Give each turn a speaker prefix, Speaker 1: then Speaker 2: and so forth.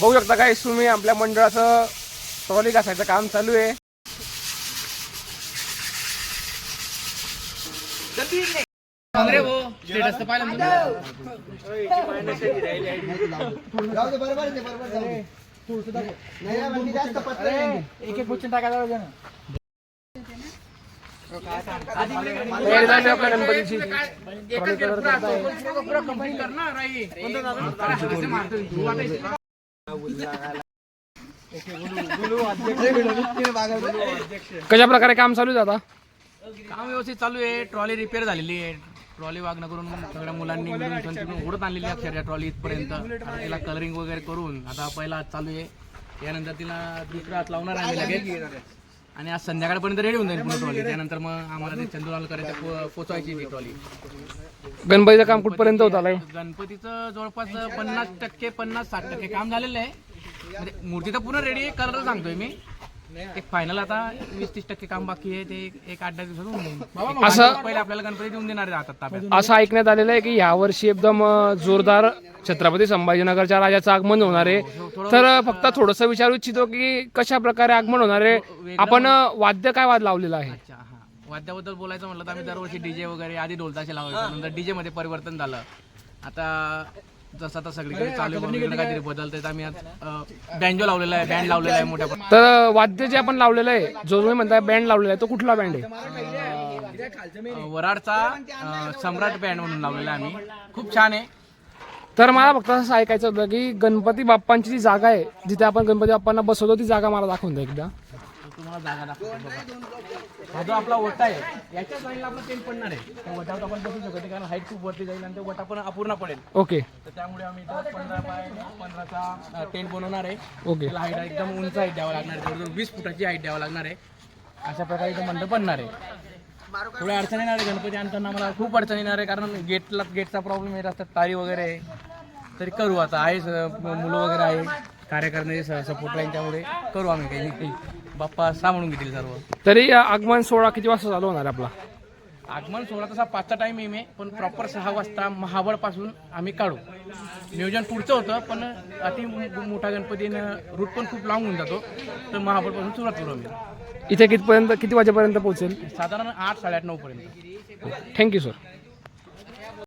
Speaker 1: बघू शकता काय तुम्ही आपल्या मंडळाचं ट्रॉली घासायचं काम चालू आहे. गणपतीची कशा प्रकारे काम चालू आहे आता?
Speaker 2: काम व्यवस्थित चालू आहे. ट्रॉली रिपेअर झालेली आहे. ट्रॉली वागणं करून सगळ्या मुलांनी मिळून तिकडून उडत आणलेली आहे अक्षरशः ट्रॉली इथपर्यंत. तिला कलरिंग वगैरे करून आता पहिला हात चालू आहे. त्यानंतर तिला दुसरा हात लावणार आहे लगेच आणि आज संध्याकाळपर्यंत रेडी होऊन जाईल पुन्हा ट्रॉली. त्यानंतर मग आम्हाला ते चंदुलाल करायचं पोचवायची ती ट्रॉली.
Speaker 1: गणपतीचं काम कुठपर्यंत होत आलंय?
Speaker 2: गणपतीचं जवळपास 50% 50-60% काम झालेलं आहे. म्हणजे मूर्ती तर पूर्ण रेडी आहे. कलर सांगतोय मी. एक फायनल आता 20-30% काम बाकी आहे. ते एक 8-10 दिवसात होऊन जाईल.
Speaker 1: असं
Speaker 2: पहिले आपल्याला गणपती देऊन देणार आहे हातात ताब्यात.
Speaker 1: असं ऐकण्यात आलेलं आहे की यावर्षी एकदम जोरदार छत्रपती संभाजीनगरच्या राजाचं आगमन होणार आहे. तर फक्त थोडंसं विचारू इच्छितो की कशा प्रकारे आगमन होणार आहे? आपण वाद्य काय लावलेलं आहे?
Speaker 2: अच्छा, हा. वाद्याबद्दल बोलायचं म्हटलं तर आम्ही दरवर्षी डीजे वगैरे आधी ढोलताशे लावायचो. नंतर डीजे मध्ये परिवर्तन झालं. आता जसं आता सगळीकडे चालू आहे काहीतरी बदलतंय. आम्ही आज बँजो लावलेला आहे, बँड लावलेला आहे मोठ्या.
Speaker 1: तर वाद्य जे आपण लावलेलं आहे, जो तुम्ही म्हणताय बँड लावलेला आहे, तो कुठला बँड आहे?
Speaker 2: वराडचा सम्राट बँड म्हणून लावलेला आहे आम्ही. खूप छान आहे.
Speaker 1: तर मला फक्त असं ऐकायचं होतं की गणपती बाप्पांची जी जागा आहे जिथे आपण गणपती बाप्पांना बसवतो ती जागा मला दाखवून द्या एकदा.
Speaker 2: तुम्हाला जागा दाखवतो. हा जो आपला ओटा आहे याच्या साईडला आपला टेंट पडणार आहे. त्या ओट्यावर आपण बसू शकतो कारण हाईट खूप वरती जाईल आणि ते ओटा पण अपूर्ण पडेल.
Speaker 1: ओके.
Speaker 2: तर त्यामुळे आम्ही 15x15चा टेंट बनवणार आहे.
Speaker 1: ओके.
Speaker 2: त्याला हाईट एकदम उंच हाईट द्यावं लागणार आहे. जवळजवळ 20 फुटाची हाईट द्यावं लागणार आहे. अशा प्रकारे इथं मंडप बनणार आहे. थोड्या अडचणी येणार आहे गणपती आणताना. आम्हाला खूप अडचणी येणार आहे कारण गेटचा प्रॉब्लेम येत असतात. तारी वगैरे तरी करू आता आहे. मुलं वगैरे आहे कार्यकर्ते सपोर्ट राहील त्यामुळे करू आम्ही काही. बाप्पा सांभाळून घेतील सर्व.
Speaker 1: तरी आगमन सोहळा किती वाजता चालू होणार आहे आपला?
Speaker 2: आगमन सोहळा तसा 5चा टाइम आहे पण प्रॉपर 6 वाजता महाबळपासून आम्ही काढू. नियोजन पुढचं होतं पण अति मोठा गणपतीनं रूट पण खूप लांब होऊन जातो. तर महाबळपासून सुरुवात करू आम्ही.
Speaker 1: इथे किती वाजेपर्यंत पोहोचेल?
Speaker 2: साधारण 8-8:30-9 पर्यंत.
Speaker 1: Thank you sir.